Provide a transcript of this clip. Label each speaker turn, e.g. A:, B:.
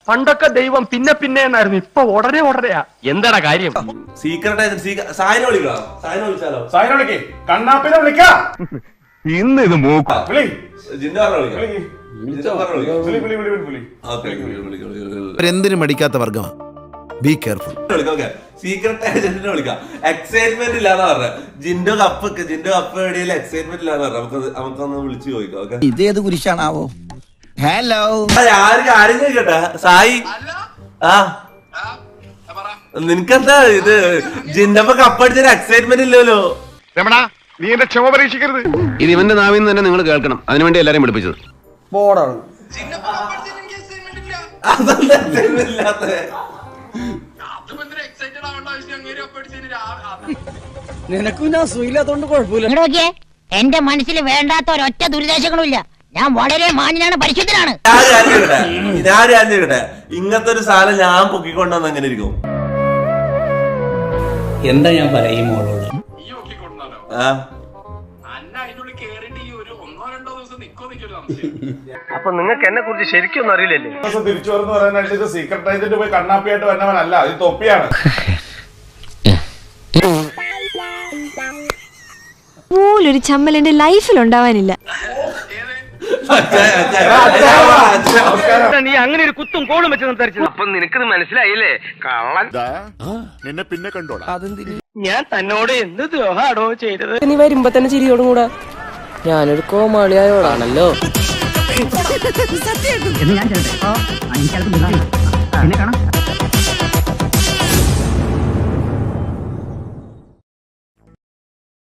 A: പണ്ടൊക്കെ ദൈവം പിന്നെ പിന്നെ എന്നായിരുന്നു, ഇപ്പൊ ഉടനെ ഉടനെയാ. എന്താടാ കാര്യം?
B: സീക്രട്ട് ഏജന്റ് സായിനെ വിളിക്കാം. സായിനെ വിളിച്ചാലോ?
C: സായിനെ വിളിക്കേ, കണ്ണാപ്പിനെ വിളിക്കാം.
A: ഇന്ന് ഇത് മൂക്ക
C: വിളി.
B: ജിന്റെ പറഞ്ഞ വിളിക്കാം.
D: എന്തിനും മടിക്കാത്ത വർഗം. Be careful.
B: സീക്രട്ട് ഏജന്റിനെ വിളിക്കാം. എക്സൈറ്റ്മെന്റ് ഇല്ലാന്ന് പറഞ്ഞ ജിന്റെ കപ്പ് എവിടെയും എക്സൈറ്റ്മെന്റ് ഇല്ലാന്ന് പറഞ്ഞ നമുക്കൊന്ന് വിളിച്ചു ചോദിക്കാം.
D: ഇതേത് കുരിശാണാവോ? ഹലോ,
B: ആരും ചോദിക്കട്ടെ സായി. നിനക്കെന്താ ഇത് ജിന്റെ കപ്പടിച്ചൊരു എക്സൈറ്റ്മെന്റ് ഇല്ലല്ലോ?
A: രമണ, നീ എന്റെ ക്ഷമ പരീക്ഷിക്കരുത്.
E: ഇത് ഇവന്റെ നാവിൽ നിന്ന് തന്നെ നിങ്ങൾ കേൾക്കണം. അതിനുവേണ്ടി എല്ലാരെയും പഠിപ്പിച്ചത്.
F: ബോർഡാണ്. നിനക്കും ഞാൻ സുഖമില്ലാത്തോണ്ട് കുഴപ്പമില്ല.
G: എന്റെ മനസ്സിൽ വേണ്ടാത്ത ഒരൊറ്റ ദുരിതാശങ്ങളും ഇല്ല. ഞാൻ വളരെ മാന്യനാണ്, പരിശുദ്ധനാണ്.
B: ഇങ്ങനത്തെ ഒരു സാധനം ഞാൻ പൊക്കിക്കൊണ്ടുവന്ന് എങ്ങനെ ഇരിക്കും?
F: എന്താ ഞാൻ പറയും മോളോട്?
A: അപ്പൊ നിങ്ങൾക്ക് എന്നെ കുറിച്ച് ശരിക്കും അറിയില്ലല്ലേ?
C: തിരിച്ചു വരുന്ന പറയാനായിട്ട് ഇത് സീക്രട്ട് ഏജന്റ് പോയി കണ്ണാപ്പിയായിട്ട് വന്നവനല്ല, ഇത് തൊപ്പിയാണ്.
H: പോലൊരു ചമ്മൽ എന്റെ ലൈഫിൽ ഉണ്ടാവാനില്ല.
A: നീ അങ്ങനെ ഒരു കുത്തും കോളും വെച്ച് സംസാരിച്ചത്. അപ്പൊ നിനക്കിത് മനസ്സിലായില്ലേ? കള്ളൻ.
I: നിന്നെ പിന്നെ കണ്ടോളാം.
A: ഞാൻ തന്നോട് എന്ത് ദ്രോഹാടോ ചെയ്തത്?
F: നീ വരുമ്പോ തന്നെ ചിരിയോടും കൂടാ. ഞാനൊരു കോമാളിയായോടാണല്ലോ.
G: എന്ന് ഞാൻ